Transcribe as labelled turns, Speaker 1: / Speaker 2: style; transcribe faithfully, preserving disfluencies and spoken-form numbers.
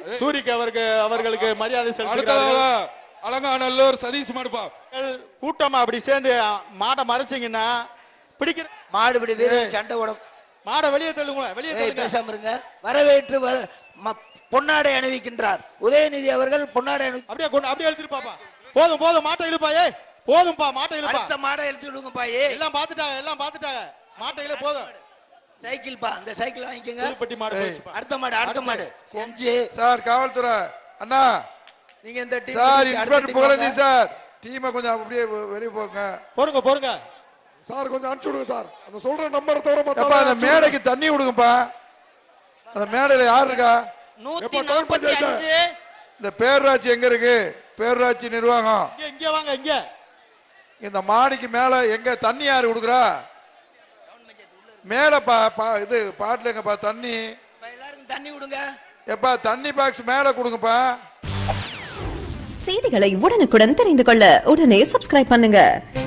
Speaker 1: சூரிக்கு அவருக்கு அவர்களுக்கு மரியாதை செலுத்துகிறார்கள்.
Speaker 2: அலங்காநல்லூர் சதீஷ் மாடுப்பா.
Speaker 1: கூட்டமா அப்படி சேர்ந்து மாடை மறைச்சிங்கன்னா பிடிக்கிற
Speaker 3: மாடுபிடி வீரர் சண்டை ஓடும்.
Speaker 1: மாடை வெளியே தள்ளுங்களேன், வெளியே தள்ளுங்க.
Speaker 3: பேசாம இருங்க. வரவேற்று பொன்னாடை அணிவிக்கின்றார் உதயநிதி அவர்கள். பொன்னாடை
Speaker 1: அப்படியே கொண்டு அப்படியே எழுதிரு பாப்பா. போதும் போதும் மாட்டை இழுப்பாயே, போதும்பா மாட்டை இழுப்பா.
Speaker 3: அடுத்த மாடை எழுதி விடுங்கப்பா. ஏ
Speaker 1: எல்லாம் பாத்துட்டாங்க, எல்லாம் பாத்துட்டாங்க. மாட்டை இழு போதும்.
Speaker 3: சைக்கிள் பா, அந்த சைக்கிள் வாங்கிக்கங்க.
Speaker 1: புதுப்பட்டி மாடு.
Speaker 3: அடுத்த மாடு, அடுத்த மாடு கொஞ்சு.
Speaker 2: சார் காவல்துறை அண்ணா,
Speaker 3: நீங்க இந்த team
Speaker 2: sir inspector Pugazhendhi sir டீமை கொஞ்சம் அப்படியே வெளியே போங்க.
Speaker 1: போருங்க போருங்க
Speaker 4: சார், கொஞ்சம் அனுப்பிச்சு விடுங்க சார். அந்த சொல்ற நம்பரை தவிர
Speaker 2: மத்த அந்த மேடைக்கு தண்ணி விடுங்கப்பா. அந்த மேடையில யார் இருக்கா?
Speaker 3: நூத்தி நாற்பத்தி அஞ்சு.
Speaker 2: இந்த பேரூராட்சி எங்க இருக்கு? பேரூராட்சி நிர்வாகம்
Speaker 1: இங்க வாங்க. இங்க
Speaker 2: இந்த மாடிக்கு மேல எங்க தண்ணி யாரு கொடுக்குறா? மேல பா இது பாட்டுல எங்கப்பா தண்ணி?
Speaker 3: எல்லாருக்கும் தண்ணி கொடுங்க.
Speaker 2: எப்பா தண்ணி பாக்ஸ் மேல கொடுங்கப்பா.
Speaker 5: செய்திகளை உடனுக்குடன் தெரிந்து கொள்ள உடனே சப்ஸ்கிரைப் பண்ணுங்க.